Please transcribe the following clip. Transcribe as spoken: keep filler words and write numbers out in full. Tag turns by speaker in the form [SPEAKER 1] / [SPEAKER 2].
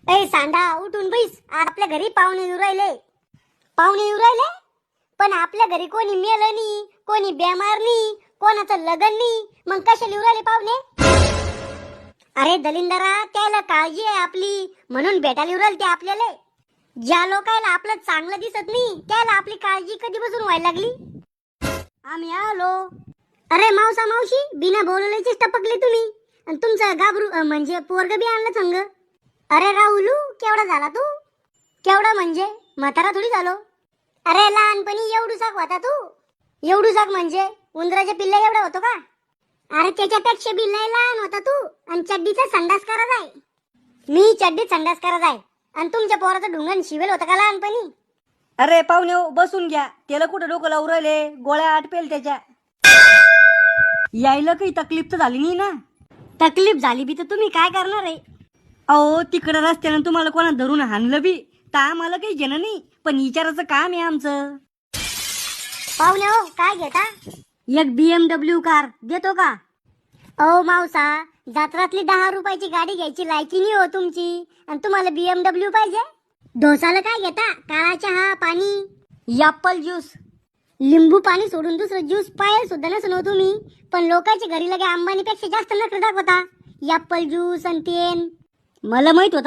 [SPEAKER 1] ए सांडा उठून बैस, आपल्या घरी पाहुणे येऊ राहिले. पाहुणे येऊ राहिले पण आपल्या घरी कोणी मेलं नाही, कोणी बेमार नाही, कोणाचं लग्न नाही, मग कशाला येऊ राहिले पाहुणे? अरे दलिंदरा, त्याला काळजी आहे आपली म्हणून भेटायला येऊ राहिले ते आपल्याला. ज्या लोकांना आपलं चांगलं दिसत नाही त्याला आपली काळजी कधीपासून व्हायला लागली. आम्ही आलो. अरे मावसा मावशी, बिना बोलवल्याचीच टपकले तुम्ही. आणि तुमचं गाबरू अं, म्हणजे पोरग बी आणलं संग. अरे राहुलू, केवढा झाला तू? केवढा म्हणजे म्हातारा थोडी झालो. अरे लहानपणी एवढूसाक होता तू. एवढूसाक म्हणजे उंदराच्या पिल्ला एवढा होतो का? अरे त्याच्यापेक्षा बी लय लहान होता तू. आणि चड्डीचा संडास करत आहे. मी चड्डीत संडास करत आहे आणि तुमच्या पोराचं ढुंगण शिवेल होतं का लहानपणी?
[SPEAKER 2] अरे पाहुणे हो, बसून घ्या. त्याला कुठं डोकं लावून राहिले, गोळ्या आटपेल त्याच्या. यायला काही तकलीफ तर झाली नाही ना?
[SPEAKER 1] तकलीफ झाली बी तर तुम्ही काय करणार आहे?
[SPEAKER 2] अहो तिकडं रस्त्यानं तुम्हाला कोणा धरून हाणलं बी तर आम्हाला काही घेणं नाही, पण विचाराचं काम आहे आमचं.
[SPEAKER 1] पाहुणे हो, काय घेता? एक बीएमडब्ल्यू कार देतो का? अहो मावसा, जात्रातली दहा रुपयाची गाडी घ्यायची लायकी नाही हो तुमची, आणि तुम्हाला बीएमडब्ल्यू पाहिजे? डोसाला काय घेता? काळा चहा, पाणी, ॲपल ज्यूस, लिंबू पाणी सोडून दुसरं ज्यूस पाहिजे सुद्धा नसून हो तुम्ही. पण लोकांच्या घरी लगे अंबानीपेक्षा जास्त नखरे दाखवता. ॲपल ज्यूस आणि तेन. मला माहित होतं